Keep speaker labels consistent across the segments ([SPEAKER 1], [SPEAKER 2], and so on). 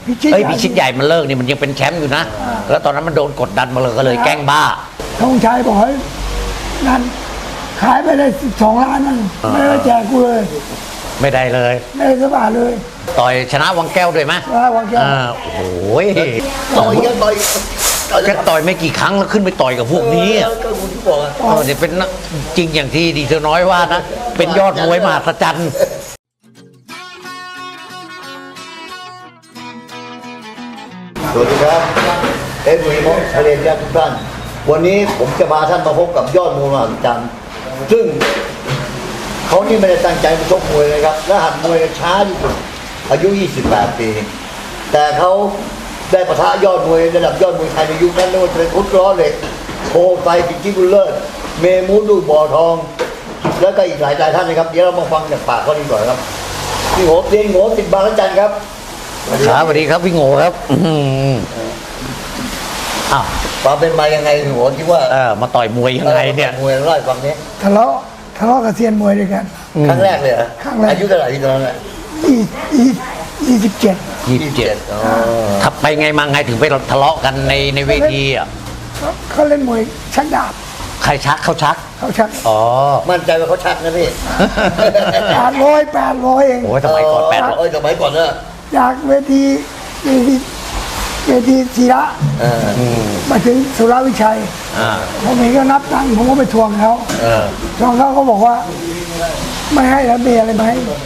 [SPEAKER 1] พิชิตใหญ่มันเลิกนี่มันยังเป็นแชมป์อยู่นะแล้วตอนนั้นมันโดนกดดันมาเลยก็เลยแกล้งบ้า
[SPEAKER 2] ธงชัยบอกให้นั่นขายไปได้12 ล้านนั่นไม่ได้แจกกูเลย
[SPEAKER 1] ไม่ได้เลย
[SPEAKER 2] ไม่ได้สักบาทเลย
[SPEAKER 1] ต่อยชนะวังแก้วด้วยไหม
[SPEAKER 2] ชนะวังแก้ว
[SPEAKER 1] โอ้โหต่อยไม่กี่ครั้งแล้วขึ้นไปต่อยกับพวกนี้
[SPEAKER 3] ก็คุณที่บอก
[SPEAKER 1] เนี่ยเป็นจริงอย่างที่ดีเธอน้อยว่านะเป็นยอดมวยมหัศจรรย์
[SPEAKER 3] สวัสดีครับหนุ่ยมงทะเลญาติทุกท่านวันนี้ผมจะพาท่านมาพบกับยอดมวยมหัศจรรย์ซึ่งเขานี่ไม่ได้ตั้งใจมาชกมวยเลยครับและหัดมวยช้าที่สุดอายุ 28 ปีแต่เขาได้ปะทะยอดมวยระดับยอดมวยไทยในยุคนั้นไม่ว่าจะเป็นอุดล้อเหล็กโคไฟกิจิบุลเลอร์เมมูดูบ่อทองแล้วก็อีกหลายท่านนะครับเดี๋ยวเรามาฟังจากปากเขาดีกว่าครับพี่โง่เรียนโง่ติดบางระจันครับ
[SPEAKER 1] สวัสดีครับพี่โง่ครับ
[SPEAKER 3] ความเป็นมายังไงพี่โง่ที่ว่า
[SPEAKER 1] มาต่อยมวยยังไงเนี่ย
[SPEAKER 3] มวยร้อยฟังนี้
[SPEAKER 2] ทะเลาะกับเซียนมวยด้วยกัน
[SPEAKER 3] ครั้งแรกเลยเหรอ
[SPEAKER 2] ครั้งแรก
[SPEAKER 3] อายุเท่าไหร่ที่ตอนนั้น
[SPEAKER 2] 27
[SPEAKER 1] ทับไปไงมาไงถึงไปทะเลาะกันในเวทีอ่ะ
[SPEAKER 2] เขาเล่นมวยชักดาบ
[SPEAKER 1] ใครชักเขาชักอ๋อ
[SPEAKER 3] มั่นใจว่าเขาชักนะพี่
[SPEAKER 2] 800เอง
[SPEAKER 1] โอ้ยสมัยก่อน
[SPEAKER 3] 800สมัยก่อนเนอะ
[SPEAKER 2] จากเวทีศิระมาถึงสุรวิชัยผมเห็นก็นับตังค์ผมก็ไปทวงเขาเขาบอกว่าไม่ให้แล้วมีอะไรไหม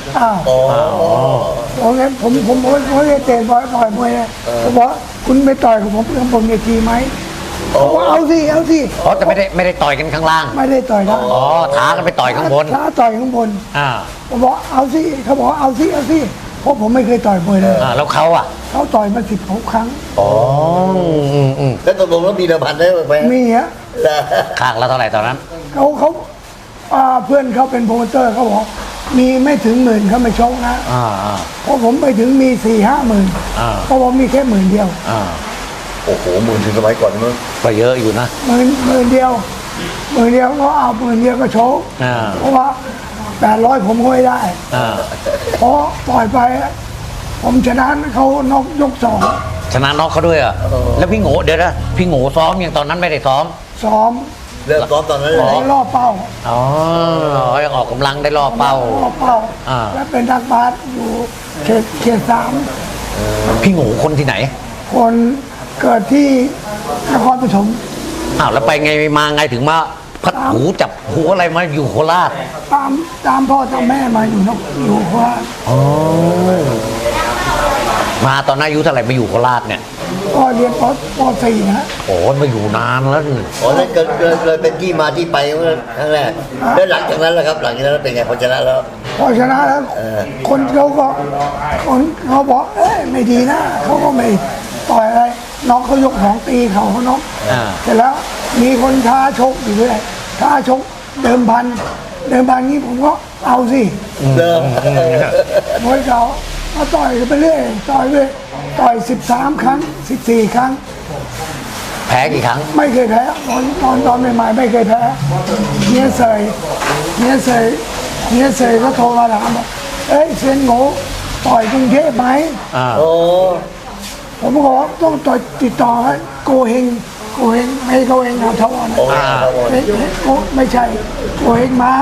[SPEAKER 2] ผมไม่ได้เตะต่อยมวยนะผมบอกคุณไปต่อยกับผมบนเวทีไหมบอกเอาสิ
[SPEAKER 1] แต่ไม่ได้ต่อยกันข้างล่าง
[SPEAKER 2] ไม่ได้ต่อยนะ
[SPEAKER 1] ท้ากันไปต่อยข้างบน
[SPEAKER 2] ท้าต่อยข้างบนผมบอกเอาสิเขาบอกเอาสิเพราะผมไม่เคยต่อยมวยเลย
[SPEAKER 1] แล้วเขา
[SPEAKER 2] ต่อยมา16 ครั้ง
[SPEAKER 3] แล้วตกลงแล้วมีเดิมพันได้ไหม
[SPEAKER 2] มีฮะ
[SPEAKER 1] ข้างละเท่าไหร่ตอนนั้น
[SPEAKER 2] เขาเพื่อนเขาเป็นโปรโมเตอร์เขาบอกมีไม่ถึง10,000เขาไม่ชกนะเพราะผมไปถึงมี4-5 หมื่นเพราะผมมีแค่10,000 เดียว
[SPEAKER 3] โอ้โห10,000ถึงสมัยก่อนมั้ง
[SPEAKER 1] ก็เยอะอยู่นะ
[SPEAKER 2] 10,000 เดียวก็เอา10,000 เดียวก็โชกเพราะว่า800ผมก็ไม่ได้เพราะปล่อยไปผมชนะเขานอกยก2
[SPEAKER 1] ชนะน็อกเขาด้วยแล้วพี่โง่เดี๋ยวนะพี่โง่ซ้อมอย่างตอนนั้นไม่ได้ซ้อม
[SPEAKER 3] เริ่มซ้อมตอนนั้นเลย
[SPEAKER 2] ล่อเป้า
[SPEAKER 1] ออกกำลังได้ล่อเป้า
[SPEAKER 2] แล้วเป็นนักบาสอยู่เขต3
[SPEAKER 1] พี่โง่คนที่ไหน
[SPEAKER 2] คนเกิดที่นครปฐม
[SPEAKER 1] แล้วไปไงมาไงถึงมาพัดหูจับหูอะไรมาอยู่โคราช
[SPEAKER 2] ตามพ่อตามแม่มาอยู่โคราช
[SPEAKER 1] มาตอนอายุเท่าไหร่มาอยู่โคราชเนี่ย
[SPEAKER 2] ก็เรียนป.4 นะ
[SPEAKER 1] มาอยู่นานแล้ว
[SPEAKER 3] นั่นเลยเป็นที่มาที่ไปครั้งแรกแล้วหลังจากนั้นล่ะครับหลังจากนั้นเป็นไงพอชนะแล้ว
[SPEAKER 2] คนเขาบอกไม่ดีนะเขาก็ไม่ต่อยอะไรน้องเขายก2 ตีเขาน็อกเสร็จแล้วมีคนท้าชกอยู่ด้วยท้าชกเดิมพันนี้ผมก็เอาสิมวยเขามาต่อยไปเรื่อยต่อย13 ครั้ง14 ครั้ง
[SPEAKER 1] แพ้กี่ครั้ง
[SPEAKER 2] ไม่เคยแพ้ตอนใหม่ๆไม่เคยแพ้เนียเสยก็โทรมาถามว่าเซียนโง่ต่อยกรุงเทพไหมผมบอกว่าต้องต่อยติดต่อให้โกเฮงไม่โกเฮงเอาทวารไม่ใช่โกเฮงม้า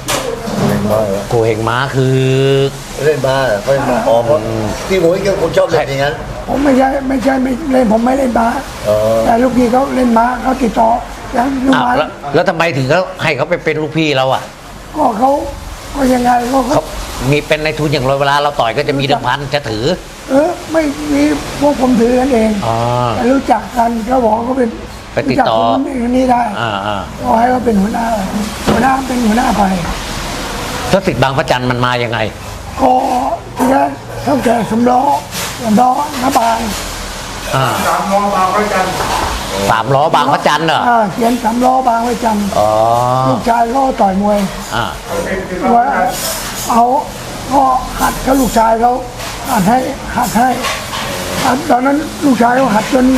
[SPEAKER 1] คือ
[SPEAKER 3] เล่นม้าเขาเล่นม้าพี่หมูยังคนชอบเล่นอย่างนั้น
[SPEAKER 2] ผมไม่ใช่เล่นผมไม่เล่นม้าแต่ลูกพี่เขาเล่นม้าเขาติดต่อ
[SPEAKER 1] แล้วทำไมถึงเขาให้เขาไปเป็นลูกพี่เรา
[SPEAKER 2] ก็เขายังไง
[SPEAKER 1] เขามีเป็นในทุนอย่างไรเวลาเราต่อยก็จะมีเดิมพันจะถือ
[SPEAKER 2] ไม่มีพวกผมถือกันเองแต่รู้จักกันเขาบอกเขาเป็น
[SPEAKER 1] ไปติดต่อ
[SPEAKER 2] นี่ได้ก็ให้เขาเป็นหัวหน้าเป็นหัวหน้าไป
[SPEAKER 1] แล้วสิทธิ์บางพระจันทร์มันมายังไง
[SPEAKER 2] ก็ทีแรกเขาแก่สำล้อน้าบาง
[SPEAKER 1] 3 ล้อบางพระจันทร์เหรอ
[SPEAKER 2] เขียน3 ล้อบางพระจันทร์ลูกชายก็ต่อยมวยว่าเอาก็หัดเขาลูกชายเขาหัดให้ตอนนั้นลูกชายเขาหัดจน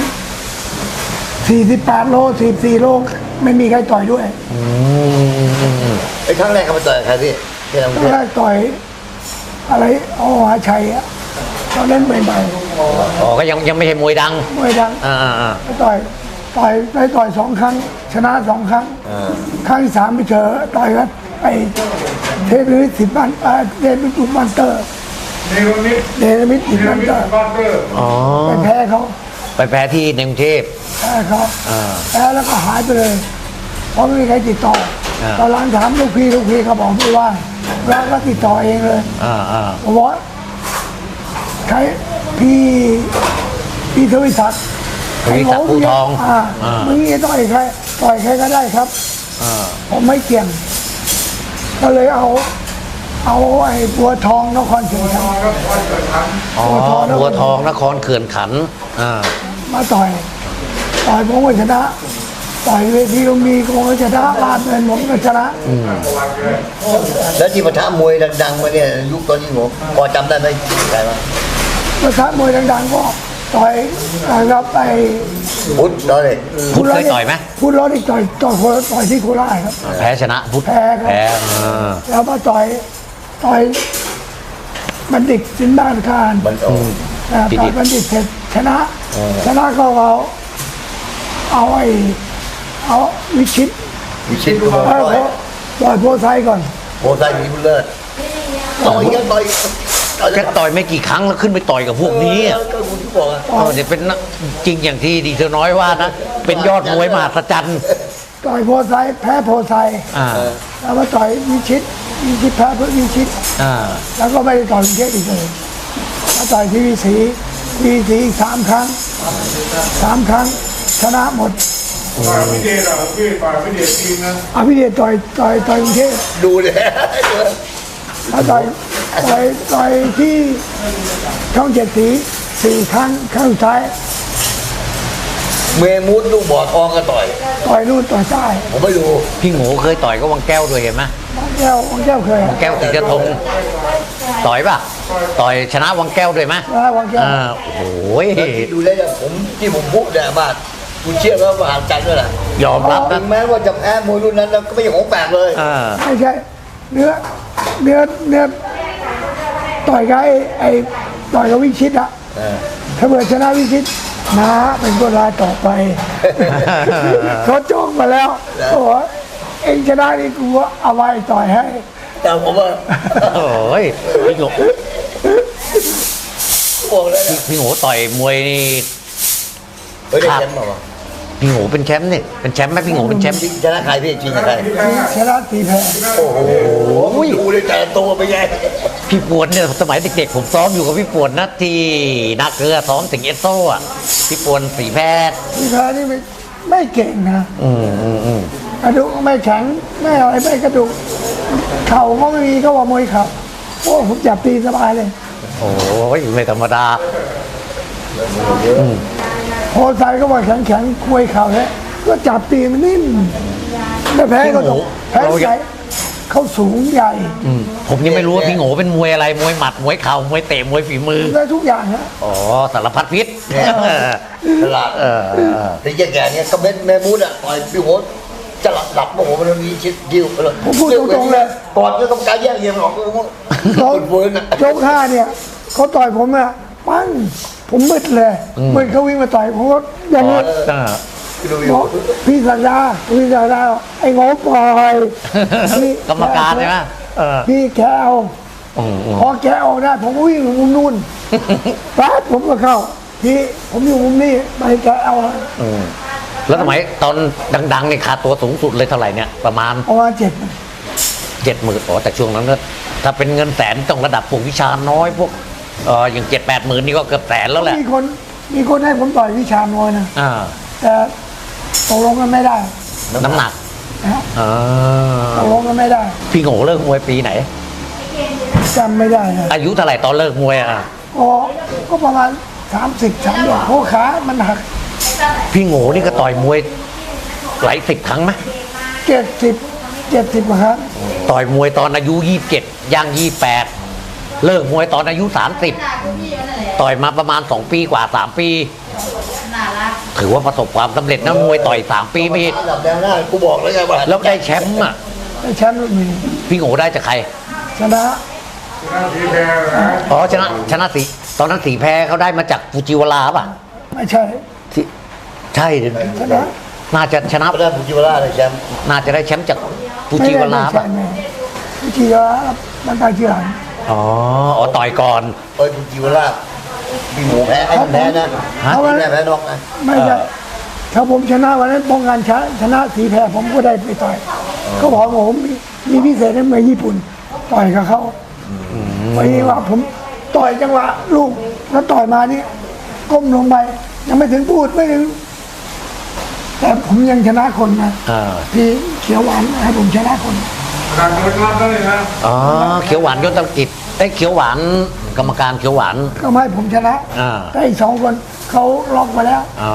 [SPEAKER 2] 48 โล44 โลไม่มีใครต่อยด้วย
[SPEAKER 3] ครั้งแรกเขาไปต่อยใครพี่
[SPEAKER 2] ครั้งแรกต่อยอะไรหาชัยเขาเล่นใหม่
[SPEAKER 1] อ๋อก็ยังไม่ใช่มวยดัง
[SPEAKER 2] มวยดัง ไปต่อย2 ครั้ง ชนะ2 ครั้ง ครั้งที่ 3ไปเจอต่อยกันไปเทพนิมิต10 วันเทพนิมิตบันเตอร์
[SPEAKER 4] เนรมิต
[SPEAKER 2] เดนมิต10 วันเตอร์
[SPEAKER 4] บ้านเตอร์
[SPEAKER 1] อ๋อ
[SPEAKER 2] ไปแพ้เขา
[SPEAKER 1] ไปแพ้ที่ในกรุงเทพ
[SPEAKER 2] แพ้เขาแพ้แล้วก็หายไปเลยเพราะไม่มีใครติดต่อตอนหลังถามลูกพี่เขาบอกไม่ว่าแล้วก็ติดต่อเองเลย ผมบอกว่าใครพี่ทวิศักดิ์
[SPEAKER 1] ทวิศักดิ์ภูทอง
[SPEAKER 2] มึงนี่ต่อยใครก็ได้ครับผมไม่เกี่ยง ก็เลยเอาไอ้บัวทองนครเชียงราย
[SPEAKER 1] อ๋อบัวทองนครเขื่อนขันธ์
[SPEAKER 2] มาต่อยผมก็ชนะต่อยเวทีลุมพินีผมก็ชนะลาดเงินผมก็ชนะ
[SPEAKER 3] แล้วที่ปะทะมวยดังๆมาเนี่ยยุคตอนนี้ผมพอจำได้ไหมใครบ้าง
[SPEAKER 2] ประทัดมวยดังๆก็ต่อยครับไอ้
[SPEAKER 3] พุทธตอนนี้
[SPEAKER 1] พุทธเคยต่อยไหม
[SPEAKER 2] พุทธร้อนอีกต่อยที่โคราชครับ
[SPEAKER 1] แพ้ชนะพุทธ
[SPEAKER 2] แพ้ครับ
[SPEAKER 1] แพ้
[SPEAKER 2] แล้วมาต่อยบัณฑิตสินบ้านคาร
[SPEAKER 3] มันโอ้
[SPEAKER 2] ต่อยบัณฑิตเสร็จชนะก็เอาวิชิต
[SPEAKER 3] วิชิตก็มา
[SPEAKER 2] ต่อยโพไซก่อน
[SPEAKER 3] โพไซมีบุญเลิศต่อยกันต่อย
[SPEAKER 1] แค่ต่อยไม่กี่ครั้งแล้วขึ้นไปต่อยกับพวกนี้อะ
[SPEAKER 3] ก็คุณที่บอกอะ
[SPEAKER 1] เดี๋ยวเป็นนักจริงอย่างที่ดีเธอน้อยว่านะ เป็นยอดมวยมหัศจรรย์
[SPEAKER 2] ต่อยโพไซแพ้โพไซ
[SPEAKER 1] อ่า
[SPEAKER 2] แล้วมาต่อยวิชิตแพ้เพื่อวิชิต
[SPEAKER 1] อ่า
[SPEAKER 2] แล้วก็ไม่ได้ต่อยกรุงเทพอีกเลยมาต่อยที่วีสีอีก3 ครั้งชนะหมด
[SPEAKER 4] ฝ่ายพิเดชอ่ะพี่ฝ่ายพิเดชทีมนะ
[SPEAKER 2] อภิเดชต่อยกรุงเทพ
[SPEAKER 3] ดูเลย
[SPEAKER 2] มาต่อยที่ช่อง7 สี4 ครั้งสุดท้าย
[SPEAKER 3] เมมูดลูกบ่อทองก็ต่อย
[SPEAKER 2] ต่อยนู่นต่อยใต้
[SPEAKER 3] ผมไม่ดู
[SPEAKER 1] พี่โง่เคยต่อยก็วังแก้วด้วยเห็นไหม
[SPEAKER 2] วังแก้วเคย
[SPEAKER 1] วังแก้วติดกระทงต่อยป่ะต่อยชนะวังแก้วด้วยไหม
[SPEAKER 2] วังแก้ว
[SPEAKER 1] โอ้ย
[SPEAKER 3] ดูแล้วเนี่ยผมพูดเนี่ยมาคุณเชื่อแล้วมหาจันทร์ด้วยแหละ
[SPEAKER 1] ยอมรับ
[SPEAKER 3] ถึ
[SPEAKER 1] นะ
[SPEAKER 3] งแม้ว่าจะแพ้มวยรุ่นนั้นแล้วก็ไม่ใช่ของแปลกเลย
[SPEAKER 2] ไม่ใช่เนื้อต่อยกับไอ้ต่อยกับวิชิตอะถ้าเกิดชนะวิชิตนะเป็นคนรายต่อไป เขาจ้องมาแล้วเขาบอกว่าเองชนะนี่กูเอาไว้ต่อยให้
[SPEAKER 3] แต่ผมว่า
[SPEAKER 1] โอ้ยพี่โง่
[SPEAKER 3] บอกเลยนะ
[SPEAKER 1] พี่โง่ต่อยมวยนี่
[SPEAKER 3] เฮ้ยได้แชมป์เปล่าวะ
[SPEAKER 1] พี่โง่เป็นแชมป์เนี่ยเป็นแชมป์ไหมพี่โง่เป็นแชมป์
[SPEAKER 3] ชนะใครพี่จริงกับใคร
[SPEAKER 2] ชนะตีแพ้
[SPEAKER 3] โอ้โหดูเลยแต่ละตัวไปไง
[SPEAKER 1] พี่ปวนเนี่ยสมัยเด็กๆผมซ้อมอยู่กับพี่ปวนนะที่นาเกลือซ้อมถึงเอสโซ่อะพี่ปวนสีแพทย์
[SPEAKER 2] ตีแพ้นี่ไม่เก่งนะกระดูกไม่แข็งไม่อะไรไม่กระดูกเข่าก็ไม่มีก็ว่ามวยเข่าโอ้ผมจับตีสบายเลย
[SPEAKER 1] โอ้ยไม่ธรรมดา
[SPEAKER 2] โพไซก็ว่าแข็งคุยเข่าแล้วก็จับตีมันนิ่มไม่แพ้ก็ต้องแพ้ใหญ่เขาสูงใหญ่
[SPEAKER 1] ผมยังไม่รู้ว่าพี่โง่เป็นมวยอะไรมวยหมัดมวยเข่ามวยเตะมวยฝีมือ
[SPEAKER 2] ได้ทุกอย่างนะ
[SPEAKER 1] อ๋อสารพัดพิษ
[SPEAKER 3] ตลาดแต่แก่ๆเนี่ยก็เป็นแม่มูดอ่ะต่อยพี่โหจะหลับโมโหมันมีชิดยิ้วไปเลย
[SPEAKER 2] ผมพูดตรงๆเลย
[SPEAKER 3] ปอดก็ต้องการแยกเยี่ยมออกก็ต้อง
[SPEAKER 2] เขา
[SPEAKER 3] เวิร์นอ่ะ
[SPEAKER 2] ยก5เนี่ยเขาต่อยผมอะปั้งผมมืดเลยมืดเขาวิ่งมาต่อยผมก็อย่างนี้บอกพี่สัญญาไอ้งอปล่อยพี่
[SPEAKER 1] กรรมการใช่ไหม
[SPEAKER 2] พี่แกเอาพอแกออกได้ผมก็วิ่งมุมนู่นแป๊บผมก็เข้าพี่ผมอยู่มุมนี้ไปแกเอา
[SPEAKER 1] แล้วสมัยตอนดังๆเนี่ยค่าตัวสูงสุดเลยเท่าไหร่เนี่ยประมาณ
[SPEAKER 2] ประมาณ7
[SPEAKER 1] 70,000อ๋อแต่ช่วงนั้นก็ถ้าเป็นเงินแสนต้องระดับพวกวิชาน้อยพวกอย่าง7-8หมื่นนี่ก็เกือบแสนแล้วแหละ
[SPEAKER 2] มีคนให้ผมต่อยวิชามวยนะ
[SPEAKER 1] อ่า
[SPEAKER 2] แต่ตกลงกันไม่ได้
[SPEAKER 1] น้ำหนัก
[SPEAKER 2] นะ
[SPEAKER 1] อ่า
[SPEAKER 2] ตกลงกันไม่ได้
[SPEAKER 1] พี่โง่เลิกมวยปีไหน
[SPEAKER 2] จำไม่ได้นะ
[SPEAKER 1] อายุเท่าไหร่ตอนเลิกมวยอ่ะ
[SPEAKER 2] ก็ประมาณ30เพราะขามันหัก
[SPEAKER 1] พี่โง่นี่ก็ต่อยมวยหลาย10ครั้งไหม
[SPEAKER 2] 70กว่าครั้ง
[SPEAKER 1] ต่อยมวยตอนอายุ27ย่าง28เลิกมวยตอนอายุ30ต่อยมาประมาณ2 ปีกว่า3 ปี ถือว่าประสบความสำเร็จนะมวยต่อย3 ปีไม่ผิด
[SPEAKER 3] ระดับแนวหน้ากูบอกแล้วไงว่า
[SPEAKER 1] แล้วได้แชมป์อ่ะ
[SPEAKER 2] ได้แชมป์รุ่นนี้
[SPEAKER 1] พี่โง่ได้จากใคร
[SPEAKER 2] ชนะ
[SPEAKER 4] ชนะทีแพ้นะ
[SPEAKER 1] อ๋อชนะสีตอนนั้นสีแพ้เขาได้มาจากฟูจิวาระป่ะ
[SPEAKER 2] ไม่ใช่
[SPEAKER 1] ที่ใช่ดิ
[SPEAKER 2] ชนะ
[SPEAKER 1] น่าจะชนะ
[SPEAKER 3] ก็ได้บุจิวราได้แชมป์
[SPEAKER 1] น่าจะได้แชมป์จากฟูจิวาระ
[SPEAKER 2] ไม่
[SPEAKER 1] ป่ะ
[SPEAKER 2] ใช่ไม่ฟูจิวาระมันไปทีหลัง
[SPEAKER 1] อ๋อต่อยก่อน
[SPEAKER 3] บุจิวราพี่หมูแพ้ให้มันแพ้นะ
[SPEAKER 1] ฮะ
[SPEAKER 3] พี่แพ้แพ้นอกนะ
[SPEAKER 2] ไม่ใช่ถ้าผมชนะวันนั้นป้องกันชนะสีแพ้ผมก็ได้ไปต่อยเขาบอกว่าผมมีพิเศษในเมืองญี่ปุ่นต่อยกับเขาวันนี้ว่าผมต่อยจังหวะลูกแล้วต่อยมานี่ก้มลงไปยังไม่ถึงพูดไม่ถึง แต่ผมยังชนะคนนะ
[SPEAKER 1] อ่า
[SPEAKER 2] ที่เขียวหวานให้ผมชนะคน
[SPEAKER 4] การเงินรับได้เลยนะ
[SPEAKER 1] อ๋อเขียวหวานยศตกิจได้เขียวหวานกรรมการเขียวหวาน
[SPEAKER 2] ก็ไม่ให้ผมชนะ
[SPEAKER 1] อ่า
[SPEAKER 2] แต่อีก2 คนเขาล็อกมาแล้ว
[SPEAKER 1] อ๋อ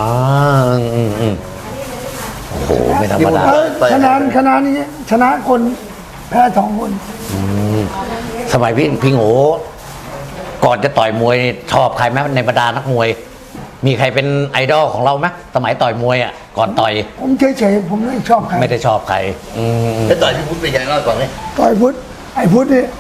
[SPEAKER 1] โอ้โหไม่ธรรมดา
[SPEAKER 2] คะแนนนี้ชนะคนแพ้2 คน
[SPEAKER 1] สมัยพี่โง่ก่อนจะต่อยมวยนี่ชอบใครไหมในบรรดานักมวย มีใครเป็นไอดอลของเราไหมสมัยต่อยมวยอ่ะก่อนต่อย
[SPEAKER 2] ผมเฉยๆผมไม่ชอบใคร
[SPEAKER 1] ไม่ได้ชอบใคร
[SPEAKER 3] แล้วต่อยพี่พุทธเป็นยังไงเล่าก่อนนี่
[SPEAKER 2] ต่อยพุทธไอ้พุทธนี่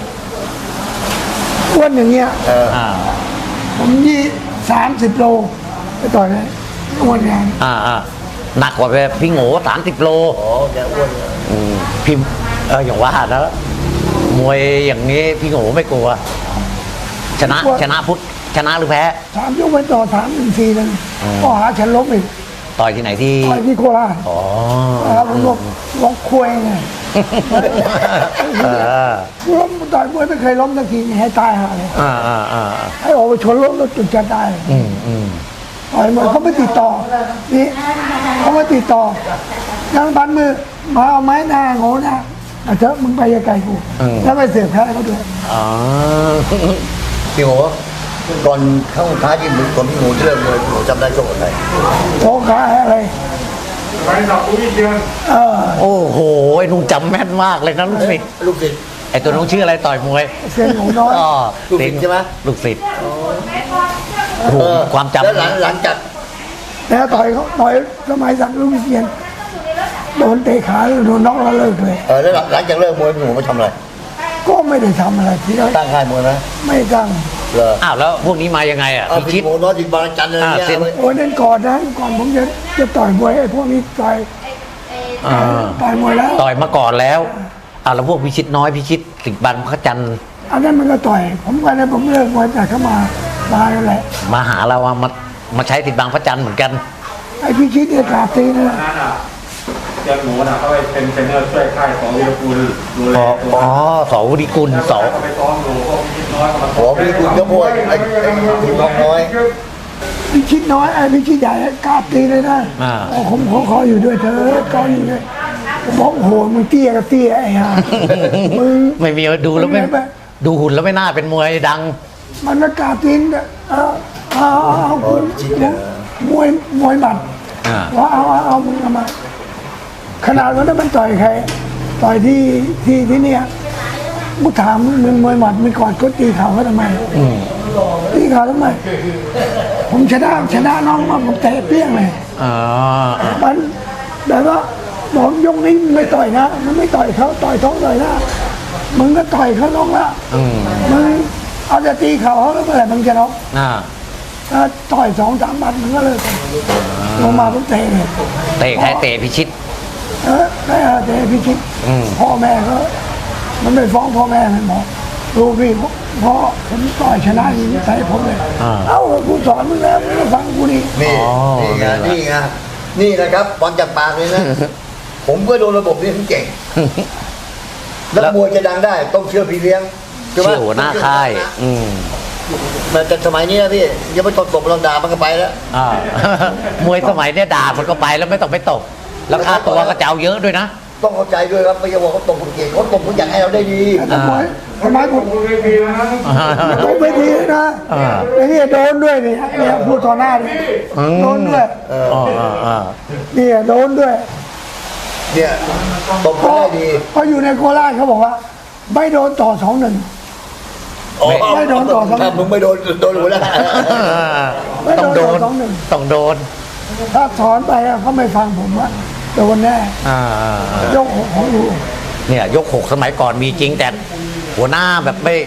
[SPEAKER 2] อ้วนอย่างเงี้ย
[SPEAKER 1] อ่า
[SPEAKER 2] ผม30 โลไปต่อยเลยอ้วนอย่าง
[SPEAKER 1] หนักกว่าพี่โง่30 โล
[SPEAKER 3] อ๋อแกอ้วนเลย
[SPEAKER 1] พี่อย่างว่าแล้วมวยอย่างนี้พี่โง่ไม่กลัว ชนะพุทธชนะหรือแพ้
[SPEAKER 2] 3 ยกไปต่อ3-1-4นึงก็หาฉันล้มอีก
[SPEAKER 1] ต่อยที่ไหนที่
[SPEAKER 2] ต่อยที่โคราช
[SPEAKER 1] อ๋อ
[SPEAKER 2] ผมล้มคุยไง
[SPEAKER 1] เออ
[SPEAKER 2] ล้มต่อยมวยไม่เคยล้มสักทีให้ตายหาเลย
[SPEAKER 1] อ่า
[SPEAKER 2] ให้ออกไปชนรถแล้วจุดจะตาย ต่อยมวยเขาไม่ติดต่อ นี่เขาไม่ติดต่อยังพันมือมาเอาไม้หน้าโง่หน้าเอาเถอะมึงไปไกลๆกูแล้วไปเสียบแพ้เขาด้วย
[SPEAKER 1] อ๋อ
[SPEAKER 3] พี่หมูก่อนเข้าท้ายที่มึงก่อนพี่หมูจะเริ่มเลยพี่หมูจำได้โชคอะไร
[SPEAKER 2] โชกขาอะไร
[SPEAKER 4] ไปดอกอุ้ยเดือน
[SPEAKER 1] โอ้โหไอ้นุ่งจำแม่นมากเลยนะลูกศิษย์
[SPEAKER 3] ลูกศิษย์
[SPEAKER 1] ไอ้ตัวน้องชื่ออะไรต่อยมวย
[SPEAKER 2] เสียงหนูน้อย
[SPEAKER 1] อ๋อ
[SPEAKER 3] ลูกศิษย์ใช่ไหม
[SPEAKER 1] ลูกศิษย์โอ้โหความจำ
[SPEAKER 3] แล้วหลังจาก
[SPEAKER 2] แล้วต่อยเขาต่อยสมัยสักดิ์ลูกเรียนโดนเตะขาโดนน็อกแล้วเลิกเลย
[SPEAKER 3] แล้วหลังจากเลิกมวยพี่หมูไปทำอะไร
[SPEAKER 2] ก็ไม่ได้ทำอะไรที่เรา
[SPEAKER 3] ตั้งค่ายมวยไหม
[SPEAKER 2] ไม่ตั้ง
[SPEAKER 3] เหรอ
[SPEAKER 1] อ้าวแล้วพวกนี้มายังไงอ่ะ
[SPEAKER 3] เอา
[SPEAKER 1] พี่
[SPEAKER 3] พี่
[SPEAKER 1] คิด
[SPEAKER 3] หมูน้อยจิตบางจันทร์อะไรเงี้ย
[SPEAKER 1] เส้น
[SPEAKER 2] โอ้ยนั่นก่อนนะก่อนผมจะต่อยมวยไอ้พวกนี้ต่อย
[SPEAKER 1] อ่า
[SPEAKER 2] ต่อยมวยแล้ว
[SPEAKER 1] ต่อยมาก่อนแล้วอ้าวแล้วพวกพิชิตน้อยพิชิตสิบบานพระจันทร์
[SPEAKER 2] อันนั้นมันก็ต่อย ผมก็เลยผมเลิกมวยแต่เขามาแล้วแหละ
[SPEAKER 1] มาหาเราอะมาใช้ติดบางพระจันทร์เหมือนกัน
[SPEAKER 2] ไอ้พี่ชิดเนี่ยกราบตีนนะ
[SPEAKER 5] นั่นอ่ะเจ้าหมูน่ะเขาไปเป็นเทรนเนอร์ช่วยค่ายของวีรกุลดูแลตัว
[SPEAKER 1] อ๋อสอวุฒิกุลสอ
[SPEAKER 5] เขาไปซ้อมดูพวกคิดน้อยเขามา
[SPEAKER 3] หัวพี่คุณก็มวยไอ้คุณน้องน้อย
[SPEAKER 2] พี่ชิดน้อยไอ้พี่ชิดใหญ่กราบตีนเลยนะ
[SPEAKER 1] อ่า
[SPEAKER 2] โอ้ผมขออยู่ด้วยเถอะขออยู่ด้วยผมบอกโอ้โหมึงเตี้ยกับเตี้ยไอ้ห่ามึง
[SPEAKER 1] ไม่มีดูแล้วไม่ดูหุ่นแล้วไม่น่าเป็นมวยดัง
[SPEAKER 2] มันมากราบตีนเอาคุณมวยหมัด
[SPEAKER 1] อ่า
[SPEAKER 2] ว่าเอามึงเอามาขนาดวันนั้นมันต่อยใครต่อยที่เนี่ยกูถามมึงมวยหมัดมึงกอดก็ตีเข่าเขาทำไมตีเข่าทำไม ผมชนะน้องมาผมเตะเปี้ยงเลย
[SPEAKER 1] อ๋อ
[SPEAKER 2] มันแบบว่าบอกยกนี้มึงไม่ต่อยนะมึงไม่ต่อยเขาต่อยท้องต่อยหน้ามึงก็ต่อยเขาน้องละมึงเอาจะตีเข่าเขาแล้วเมื่อไหร่มึงจะน็อก
[SPEAKER 1] อ่า
[SPEAKER 2] ถ้าต่อย2-3 บัตรมึงก็เลิกลงมาผมเตะเลย
[SPEAKER 1] เตะใครเตะพิชิต
[SPEAKER 2] ได้เตะพี่ชิดพ่อแม่ก็มันไม่ฟ้องพ่อแม่มันบอกลูกพี่พ่อผมต่อยชนะอย่างนี้ใส่ผมเลยเอ้ากูสอนมึงแล้วมึงก็ฟังกูนี่
[SPEAKER 3] นี่ไงนี่นะครับบอลจากปากเลยนะ ผมก็โดนระบบนี้ผมเก่งแล้วมวยจะดังได้ต้องเชื่อพี่เลี้ยงใช่ไหม
[SPEAKER 1] เชื่อหัวหน้าค่าย
[SPEAKER 3] มันจะสมัยนี้นะพี่ยังไม่ตบเราด่ามันก็ไปแล้ว
[SPEAKER 1] อ่ามวยสมัยเนี้ยด่ามันก็ไปแล้วไม่ต้องไปตบแล้วค่าตัวก็จะเอาเยอะด้วยนะ
[SPEAKER 3] ต้องเข้าใจด้วยครับไม่ใช่ว่าเขาตบคนเก่งเขาตบคนอยากให้เราได้ดี
[SPEAKER 2] ทำไมผม
[SPEAKER 4] คุณเวทีแล้วนะ
[SPEAKER 2] โดนไม่ดีนะไอ้นี่โดนด้วยนี่เนี่ยพูดต่อหน้านี่โดนด้วย นี่โดนด้วย
[SPEAKER 3] เนี่ยตบ
[SPEAKER 2] เพ
[SPEAKER 3] คน
[SPEAKER 2] ราะ
[SPEAKER 3] ได้ดี
[SPEAKER 2] เพราะอยู่ในโคราชเขาบอกว่า ไม่โดนต่อ2-1 ไม่โดนต่อสอง
[SPEAKER 3] ถ้ามึงไม่โดนหัวหน้า
[SPEAKER 2] ไม่
[SPEAKER 1] ต้อง
[SPEAKER 2] โด
[SPEAKER 1] โด
[SPEAKER 2] น
[SPEAKER 1] น
[SPEAKER 2] ต่อ2-1
[SPEAKER 1] ต้องโดน
[SPEAKER 2] ถ้าถอนไปเขาไม่ฟังผมว่าโดนแน่ยกของอยู่
[SPEAKER 1] เนี่ยยกหกสมัยก่อนมีจริงแต่หัวหน้าแบบไม่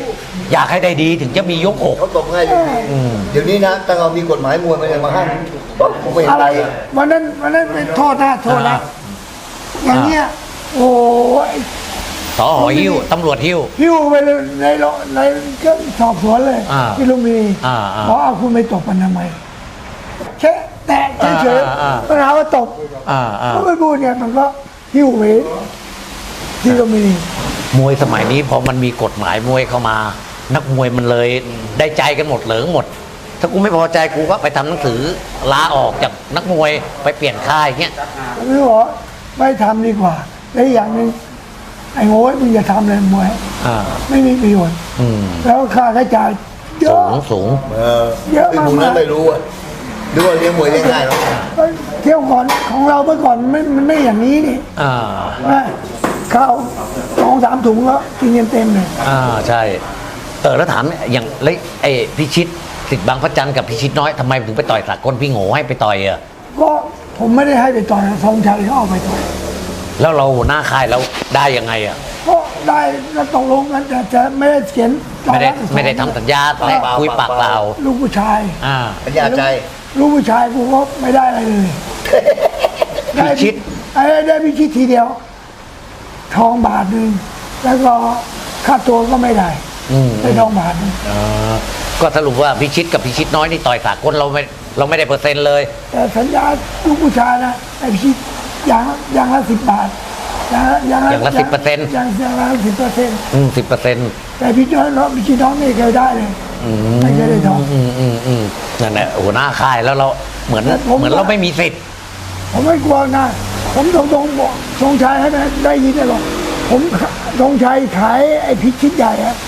[SPEAKER 1] อยากให้ได้ดีถึงจะมียกอก
[SPEAKER 3] เขาตบง่ายอยู่เดี๋ยวนี้นะตั้งเอามีกฎหมายมวยมันเลยมาห้ามปั๊บผมไม่เห็น
[SPEAKER 2] อะไร
[SPEAKER 3] เลย
[SPEAKER 2] วันนั้นเป็นโทษนะอย่างเงี้ยโอ้ย
[SPEAKER 1] สอหอหิ้วตำรวจหิ้ว
[SPEAKER 2] หิ้วไปเลยในก็สอบสวนเลย
[SPEAKER 1] อ่า
[SPEAKER 2] ที่ลุมพินี
[SPEAKER 1] อ่า
[SPEAKER 2] เพราะเอาคุณไปตบมันทำไมแค่แตะเฉย
[SPEAKER 1] อ่า
[SPEAKER 2] ๆปัญหาว่าตบ
[SPEAKER 1] อ่า
[SPEAKER 2] ก็ไม่พูดเนี่ยมันก็หิ้วไปที่ลุมพินี
[SPEAKER 1] มวยสมัยนี้พอมันมีกฎหมายมวยเข้ามา นักมวยมันเลยได้ใจกันหมดเหลิงหมด ถ้ากูไม่พอใจกูก็ไปทำหนังสือลาออกจากนักมวยไปเปลี่ยนค่ายเงี้ย
[SPEAKER 2] หรือว่าไม่ทำดีกว่าและอีกอย่างหนึ่งไอ้โง่มึงอย่าทำเลยมวย
[SPEAKER 1] อ่า
[SPEAKER 2] ไม่มีประโยชน์
[SPEAKER 1] อืม
[SPEAKER 2] แล้วค่าใช้จ่ายเย
[SPEAKER 1] สู
[SPEAKER 2] อะ
[SPEAKER 1] งสูง
[SPEAKER 2] เยอะ
[SPEAKER 3] ไอ้
[SPEAKER 2] มาก
[SPEAKER 3] พวกนั้นไม่รู้อ่ะดูว่าเลี้ยงมวยเลี้ยงง่ายหรอก
[SPEAKER 2] เที่ยวก่อนของเราเมื่อก่อนมันไม่อย่างนี้นี่
[SPEAKER 1] อ่า
[SPEAKER 2] นะข้าว2-3 ถุงแล้วกินเต็มเลย
[SPEAKER 1] อ่าใช่แล้วถามอย่างแล้วไอ้พิชิตสิทธิ์บางพระจันทร์กับพิชิตน้อยทำไมถึงไปต่อยสากลพี่โง่ให้ไปต่อยอ่ะ
[SPEAKER 2] ก็ผมไม่ได้ให้ไปต่อยทรงชัยเขาเอาไปต่อย
[SPEAKER 1] แล้วเราหัวหน้าค่ายแล้วได้ยังไงอ่ะ
[SPEAKER 2] ก็ได้ก็ตกลงกันแต่จะไม่ได้เขียน
[SPEAKER 1] ไม่ได้ทำสัญญาและคุยปากเปล่า
[SPEAKER 2] ลูกผู้ชาย
[SPEAKER 1] อ่า
[SPEAKER 3] ปัญญาใจ
[SPEAKER 2] ลูกผู้ชายกูก็ไม่ได้อะไรเลย
[SPEAKER 1] พิชิต
[SPEAKER 2] ได้พิชิตทีเดียว ทองบาทหนึ่งแล้วก็ค่าตัวก็ไม่ได้
[SPEAKER 1] อืม
[SPEAKER 2] ได้ทองบาทหนึ่ง
[SPEAKER 1] ก็สรุปว่าพิชิตกับพิชิตน้อยนี่ต่อยสากลเราไม่ได้เปอร์เซ็นต์เลย
[SPEAKER 2] แต่สัญญาลูกผู้ชายนะไอ้พิชิตอย่างละ10 บาทอย่างละ
[SPEAKER 1] อย่างละ 10%
[SPEAKER 2] อย่างละ10%
[SPEAKER 1] 10%
[SPEAKER 2] แต่พิชิตน้องไม่เคยได้เลยไม่เคยได้ทอง
[SPEAKER 1] นั่นแหละหัวหน้าค่ายแล้วเราเหมือน
[SPEAKER 2] ผม
[SPEAKER 1] เหมือนเราไม่มีสิทธิ์
[SPEAKER 2] ผมไม่กลัวนะผมตรงๆบอกทรงชัยให้ได้ยินได้หรอกผมทรงชัยขายไอ้พิชิตใหญ่อะ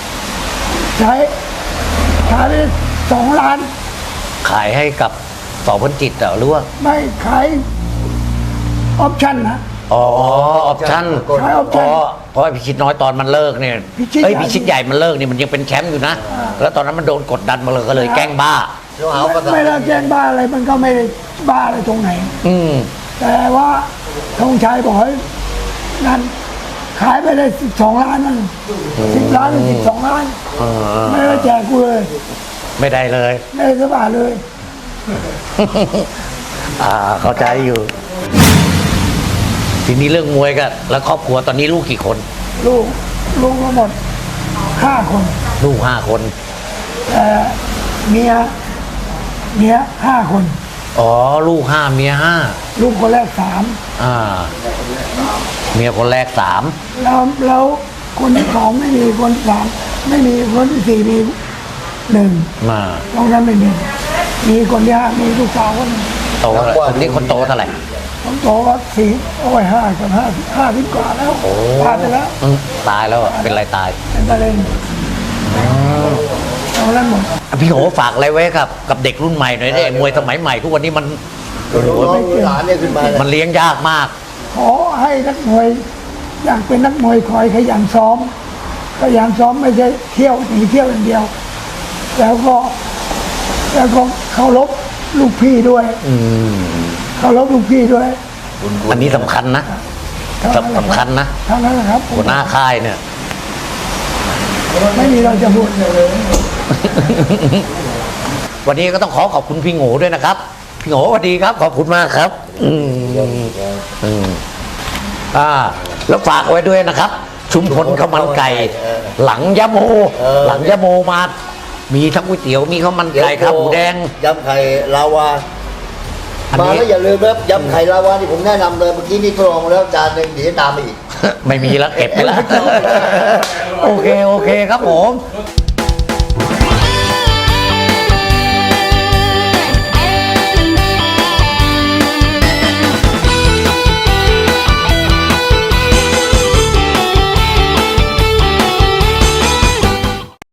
[SPEAKER 2] ขายได้2 ล้าน
[SPEAKER 1] ขายให้กับสอพันจิตเหรอหรือว่า
[SPEAKER 2] ไม่ขายออปชั่นนะ
[SPEAKER 1] อ๋อออปชั่น
[SPEAKER 2] ขายออปชั่น
[SPEAKER 1] เพราะไอ้พิชิตน้อยตอนมันเลิกเนี่ย
[SPEAKER 2] พิชิตใหญ่
[SPEAKER 1] พิชิตใหญ่มันเลิกเนี่ยมันยังเป็นแชมป์อยู่นะ แล้วตอนนั้นมันโดนกดดันมาเลยก็เลยแกล้งบ้า
[SPEAKER 3] เราหาภาษา
[SPEAKER 2] ไม่ได้แจ้งบ้าอะไรมันก็ไม่ได้บ้าอะไรตรงไหน
[SPEAKER 1] อืม
[SPEAKER 2] แต่ว่าธงชัยบอกให้นั่นขายไปได้12 ล้านนั่น10 ล้านหรือ12 ล้านไม่ได้แจกกูเลย
[SPEAKER 1] ไม่ได้เลย
[SPEAKER 2] ไม่ได้สักบาทเลย
[SPEAKER 1] เข้าใจอยู่ ทีนี้เรื่องมวยกันแล้วครอบครัวตอนนี้ลูกกี่คน
[SPEAKER 2] ลูกทั้งหมด5 คน
[SPEAKER 1] ลูก5 คน
[SPEAKER 2] แต่เมีย5 คน
[SPEAKER 1] อ๋อลูก5เมีย5
[SPEAKER 2] ลูกคนแรก
[SPEAKER 1] อ่าเมียคนแรก3
[SPEAKER 2] 3แล้วคนที่2ไม่มีคนที่3ไม่มีคนที่4มี1
[SPEAKER 1] มา
[SPEAKER 2] ตรงนั้นไม่มีคนที่5มีลูกสาวคนหนึ่ง
[SPEAKER 1] โตแล้วคนนี้คนโตเท่าไหร่
[SPEAKER 2] ผมโตก็5 กับ50 กว่าแล้วผ่านไปแล้ว
[SPEAKER 1] ตายแล้วอะเป็นไรตาย
[SPEAKER 2] เป็นมะเร็งเอาแล้วหมด
[SPEAKER 1] พี่โหฝากอะไรไว้กับเด็กรุ่นใหม่หน่อยได้มวยสมัยใหม่ทุกวันนี้มัน
[SPEAKER 3] น้องหลานเนี่ยขึ้นมาเนี่ย
[SPEAKER 1] มันเลี้ยงยากมาก
[SPEAKER 2] ขอให้นักมวยอยากเป็นนักมวยคอยขยันซ้อมไม่ใช่เที่ยวหนีเที่ยวอย่างเดียว แล้วก็เคารพลูกพี่ด้วยเคารพลูกพี่ด้วย
[SPEAKER 1] อันนี้สำคัญนะสำคัญนะ
[SPEAKER 2] เท่านั้นแหละครับ
[SPEAKER 1] หัวหน้าค่ายเนี่ย
[SPEAKER 2] ไม่มีเราจะพูด
[SPEAKER 1] วันนี้ก็ต้องขอบคุณพี่โง่ด้วยนะครับ พี่โง่สวัสดีครับ ขอบคุณมากครับ แล้วฝากไว้ด้วยนะครับ ชุมพลข้าวมันไก่ หลังยะโมมา มีทั้งก๋วยเตี๋ยวมีข้าวมันไก่ครับหมูแดง
[SPEAKER 3] ยำไข่ลาวา
[SPEAKER 1] อัน
[SPEAKER 3] มา
[SPEAKER 1] นี้
[SPEAKER 3] แล้วอย่าลืมนะครับยำไข่ลาวาที่ผมแนะนำเลยเมื่อกี้นี่ทดลองมาแล้วจานหนึ่งเดี๋ยวตามมาอีก
[SPEAKER 1] ไม่มีแล้วเก็บไปแล้ว โอเคครับผม